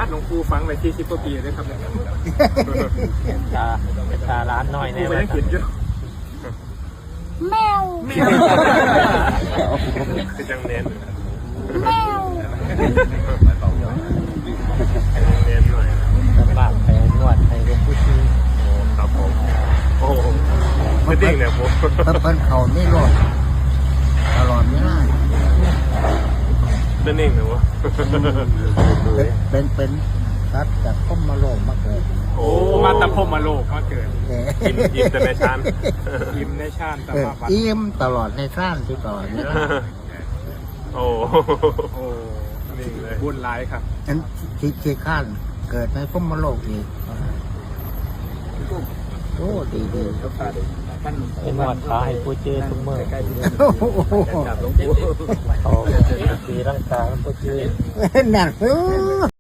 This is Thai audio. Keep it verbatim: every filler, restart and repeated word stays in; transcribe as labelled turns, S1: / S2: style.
S1: ดหลวงปู่ฟังไปที่สิบกว่าปีเลยครับเนี่ย
S2: ตาตาร้านน้อย
S1: ปู่
S2: แน่
S1: ไปยังกินอยู่
S3: แมว
S1: คือจังเน้น
S3: แมว
S1: เน้นหน่อย
S2: บ้านไปนวดไปเป็นผู้ชี้
S1: โอ้ครับผมโอ้ไม่ดิ้งเนี่ยผม
S4: เพิ่นเขาไม่รอดตลอดเวลา
S1: ไม่นิ่งนะวะ
S4: เป็นเป็นสัตว์จากข้อมาโลงมาเกิด
S1: โอ้มาตะพมมาโลกมาเกิด
S4: เออ
S1: กินกินแต่ในชาน
S5: ยิ้มในชาติตา
S4: เออ
S5: มาบัด
S4: อิ่มตลอดในสร้างที่ตลอดเวลา
S1: โอ้
S5: โอ้
S1: นิ่งเลย
S5: บุญหลายครับ
S4: อันที่ที่ข้านเกิดในข้อมาโลกอีกโอ้ดีดี
S2: เป็นนวดขาให้ผู้เจอทุกเมื่อ
S4: โอ้โห
S2: เขาตีร่างกายผู้เจอ
S4: นั่นเออ